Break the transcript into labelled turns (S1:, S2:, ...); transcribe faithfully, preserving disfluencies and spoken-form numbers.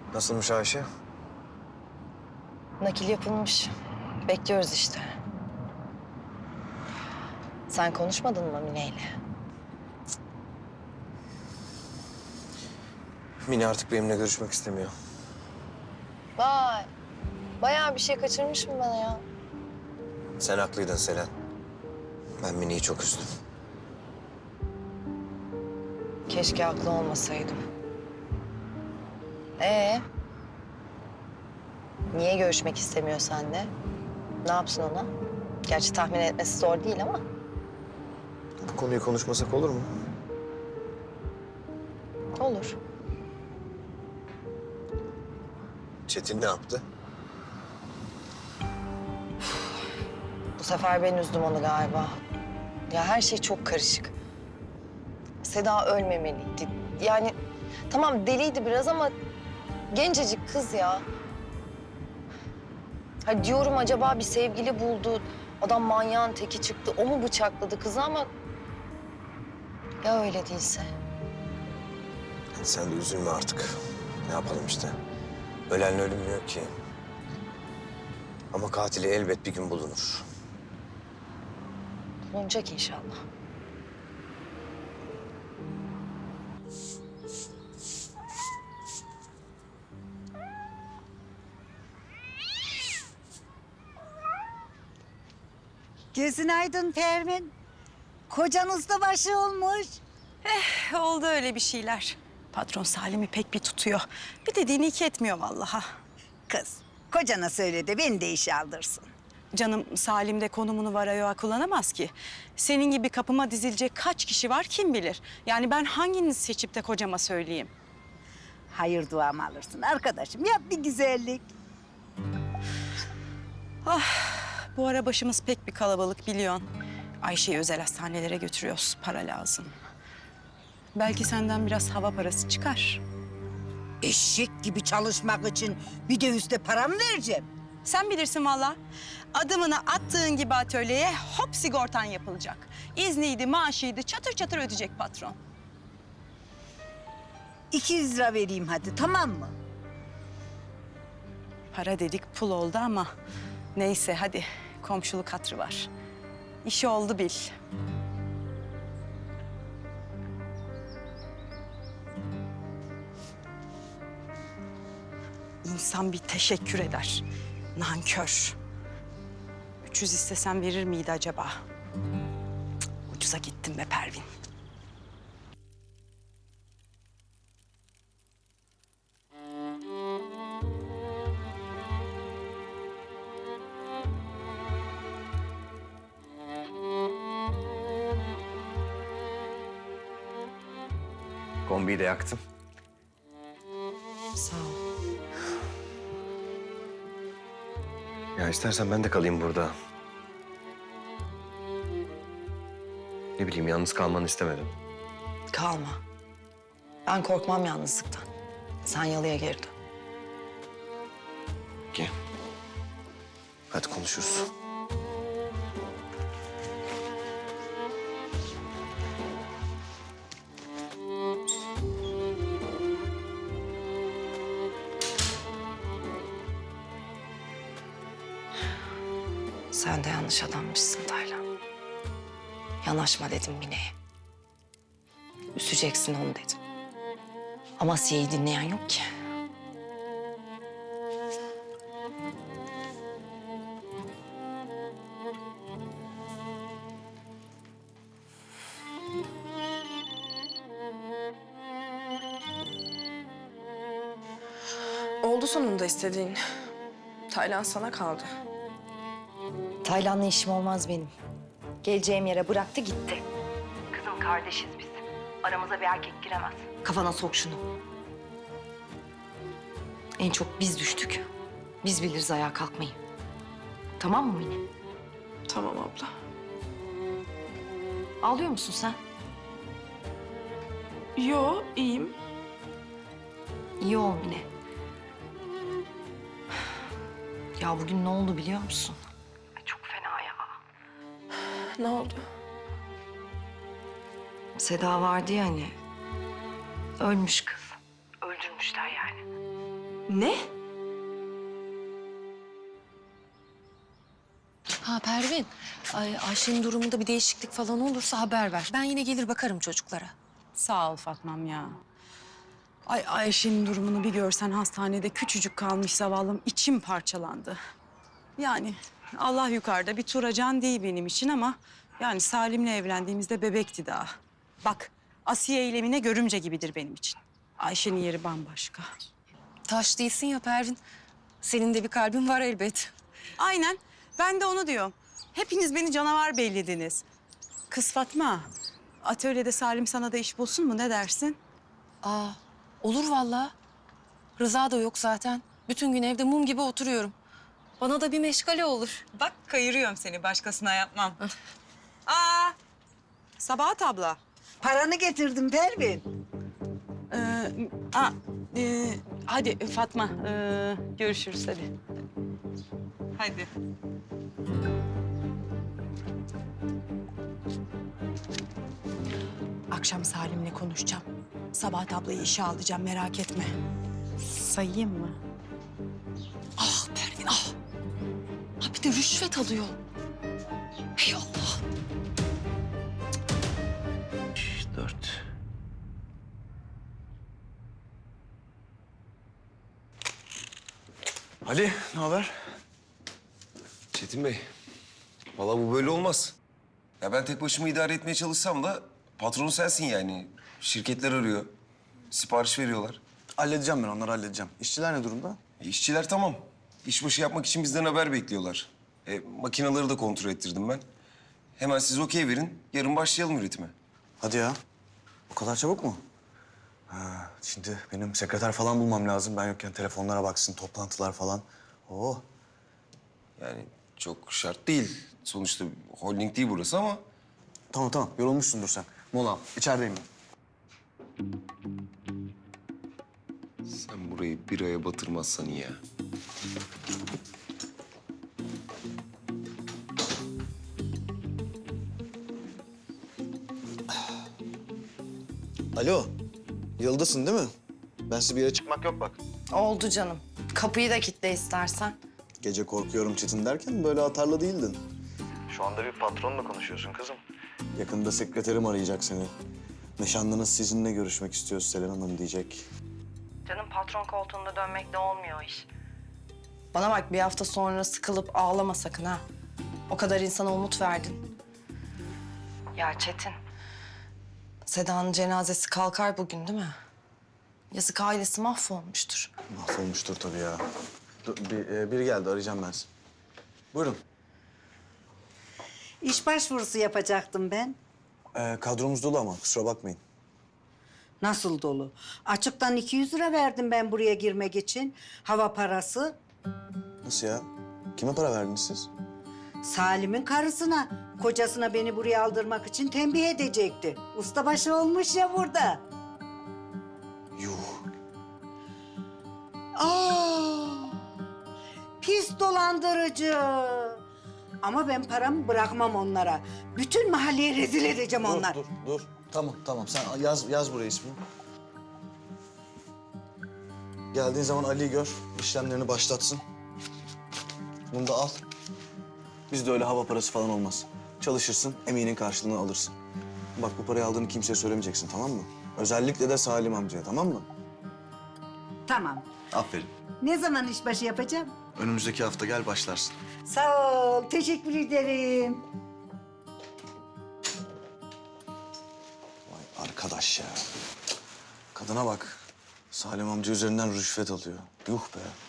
S1: Nasılmış Ayşe?
S2: Nakil yapılmış. Bekliyoruz işte. Sen konuşmadın mı Mine'yle?
S1: Mine artık benimle görüşmek istemiyor.
S2: Vay. Bayağı bir şey kaçırmışım bana ya.
S1: Sen haklıydın Selen. Ben Mine'yi çok üzdüm.
S2: Keşke haklı olmasaydım. Ee? Niye görüşmek istemiyor seninle? Ne yapsın ona? Gerçi tahmin etmesi zor değil ama.
S1: Bu konuyu konuşmasak olur mu?
S2: Olur.
S1: Çetin ne yaptı?
S2: Bu sefer ben üzdüm onu galiba. Ya her şey çok karışık. Seda ölmemeliydi. Yani tamam deliydi biraz ama gencecik kız ya. Ha diyorum acaba bir sevgili buldu. Adam manyağın teki çıktı. O mu bıçakladı kızı ama... Ya öyle değilse?
S1: Hadi sen de üzülme artık. Ne yapalım işte. Ölenle ölünmüyor ki. Ama katili elbet bir gün bulunur.
S2: Bulunacak inşallah.
S3: Gözün aydın Pervin. Kocanız da başı olmuş.
S4: Oldu öyle bir şeyler. Patron Salim'i pek bir tutuyor. Bir dediğini iki etmiyor vallahi.
S3: Kız, kocana söyle de beni de işe aldırsın.
S4: Canım Salim de konumunu varayoğa kullanamaz ki. Senin gibi kapıma dizilecek kaç kişi var kim bilir. Yani ben hanginizi seçip de kocama söyleyeyim?
S3: Hayır duamı alırsın arkadaşım. Yap bir güzellik.
S4: Bu ara başımız pek bir kalabalık biliyorsun. Ayşe'yi özel hastanelere götürüyoruz. Para lazım. Belki senden biraz hava parası çıkar.
S3: Eşek gibi çalışmak için bir de üste para mı vereceğim?
S4: Sen bilirsin valla. Adımını attığın gibi atölyeye hop sigortan yapılacak. İzniydi, maaşıydı çatır çatır ödeyecek patron.
S3: iki yüz lira vereyim hadi, tamam mı?
S4: Para dedik pul oldu ama neyse hadi komşuluk hatırı var. İşi oldu bil. İnsan bir teşekkür eder. Nankör. üç yüz istesem verir miydi acaba? Cık, ucuza gittim be Pervin.
S1: Kombiyi de yaktım.
S2: Sağ ol.
S1: Ya istersen ben de kalayım burada. Ne bileyim yalnız kalmanı istemedim.
S2: Kalma. Ben korkmam yalnızlıktan. Sen yalıya geri dön.
S1: Ki. Hadi konuşuruz.
S2: Sen de yanlış adammışsın Taylan. Yanaşma dedim Mine'ye. Üseceksin onu dedim. Ama Asiye'yi dinleyen yok ki.
S5: Oldu sonunda istediğin. Taylan sana kaldı.
S2: Taylan'la işim olmaz benim. Geleceğim yere bıraktı gitti. Kızım kardeşiz biz. Aramıza bir erkek giremez. Kafana sok şunu. En çok biz düştük. Biz biliriz ayağa kalkmayı. Tamam mı Mine?
S5: Tamam abla.
S2: Ağlıyor musun sen?
S5: Yo, iyiyim.
S2: İyi ol Mine. Ya bugün ne oldu biliyor musun? Çok fena ya.
S5: Ne oldu?
S2: Seda vardı ya hani. Ölmüş kız. Öldürmüşler yani.
S5: Ne?
S6: Ha Pervin, Ay, Ayşe'nin durumunda bir değişiklik falan olursa haber ver. Ben yine gelir bakarım çocuklara.
S4: Sağ ol Fatmam ya. Ay Ayşe'nin durumunu bir görsen hastanede küçücük kalmış zavallım içim parçalandı. Yani Allah yukarıda bir Turacan değil benim için ama yani Salim'le evlendiğimizde bebekti daha. Bak Asiye eylemine görümce gibidir benim için. Ayşe'nin yeri bambaşka.
S6: Taş değilsin ya Pervin. Senin de bir kalbin var elbet.
S4: Aynen ben de onu diyorum. Hepiniz beni canavar bellediniz. Kız Fatma, atölyede Salim sana da iş bulsun mu ne dersin?
S6: Aa, olur vallahi. Rıza da yok zaten. Bütün gün evde mum gibi oturuyorum. Bana da bir meşgale olur.
S4: Bak kayırıyorum seni başkasına yapmam. Aa, Sabahat abla.
S3: Paranı getirdim Pervin.
S4: Ee, a, e, hadi Fatma, e, görüşürüz hadi. Hadi. Akşam Salim'le konuşacağım. Sabahat ablayı işe alacağım, merak etme. Sayayım mı?
S6: Ah Pervin ah. Ha bir de rüşvet alıyor. Hey Allah.
S1: Dört. Ali, ne haber?
S7: Çetin Bey, vallahi bu böyle olmaz. Ya ben tek başıma idare etmeye çalışsam da patronu sensin yani. Şirketler arıyor, sipariş veriyorlar.
S1: Halledeceğim ben onları halledeceğim. İşçiler ne durumda?
S7: E, işçiler tamam. İşbaşı yapmak için bizden haber bekliyorlar. E, makineleri de kontrol ettirdim ben. Hemen siz okey verin, yarın başlayalım üretime.
S1: Hadi ya. O kadar çabuk mu? Ha, şimdi benim sekreter falan bulmam lazım. Ben yokken telefonlara baksın, toplantılar falan. Oo.
S7: Yani çok şart değil. Sonuçta holding değil burası ama...
S1: Tamam tamam, yorulmuşsundur sen. Mola al, içerideyim ben.
S7: Sen burayı bir aya batırmazsan iyi ya.
S1: Alo, Yıldız'sın değil mi? Ben size bir yere çıkmak yok bak.
S2: Oldu canım. Kapıyı da kilitle istersen.
S1: Gece korkuyorum Çetin derken böyle atarlı değildin. Şu anda bir patronla konuşuyorsun kızım. Yakında sekreterim arayacak seni. Nişanlınız sizinle görüşmek istiyor Selen Hanım diyecek.
S2: Canım patron koltuğunda dönmekle olmuyor iş. Bana bak bir hafta sonra sıkılıp ağlama sakın ha. O kadar insana umut verdin. Ya Çetin. Seda'nın cenazesi kalkar bugün değil mi? Yazık ailesi mahvolmuştur.
S1: Mahvolmuştur tabii ya. Dur, bir, e, biri geldi arayacağım ben sizi. Buyurun.
S8: İş başvurusu yapacaktım ben.
S1: Ee, kadromuz dolu ama kusura bakmayın.
S8: Nasıl dolu? Açıktan iki yüz lira verdim ben buraya girmek için. Hava parası.
S1: Nasıl ya? Kime para verdiniz siz?
S8: Salim'in karısına, kocasına beni buraya aldırmak için tembih edecekti. Ustabaşı olmuş ya burada.
S1: Yuh.
S8: Aa! Pis dolandırıcı. Ama ben paramı bırakmam onlara. Bütün mahalleye rezil edeceğim onlar.
S1: Dur, dur, dur. Tamam, tamam. Sen yaz, yaz buraya ismini. Geldiğin zaman Ali'yi gör, işlemlerini başlatsın. Bunu da al. Bizde öyle hava parası falan olmaz. Çalışırsın, emeğinin karşılığını alırsın. Bak bu parayı aldığını kimseye söylemeyeceksin, tamam mı? Özellikle de Salim amcaya, tamam mı?
S8: Tamam.
S1: Aferin.
S8: Ne zaman işbaşı yapacağım?
S1: Önümüzdeki hafta gel başlarsın.
S8: Sağ ol, teşekkür ederim.
S1: Vay arkadaş ya. Kadına bak. Salim amca üzerinden rüşvet alıyor. Yuh be.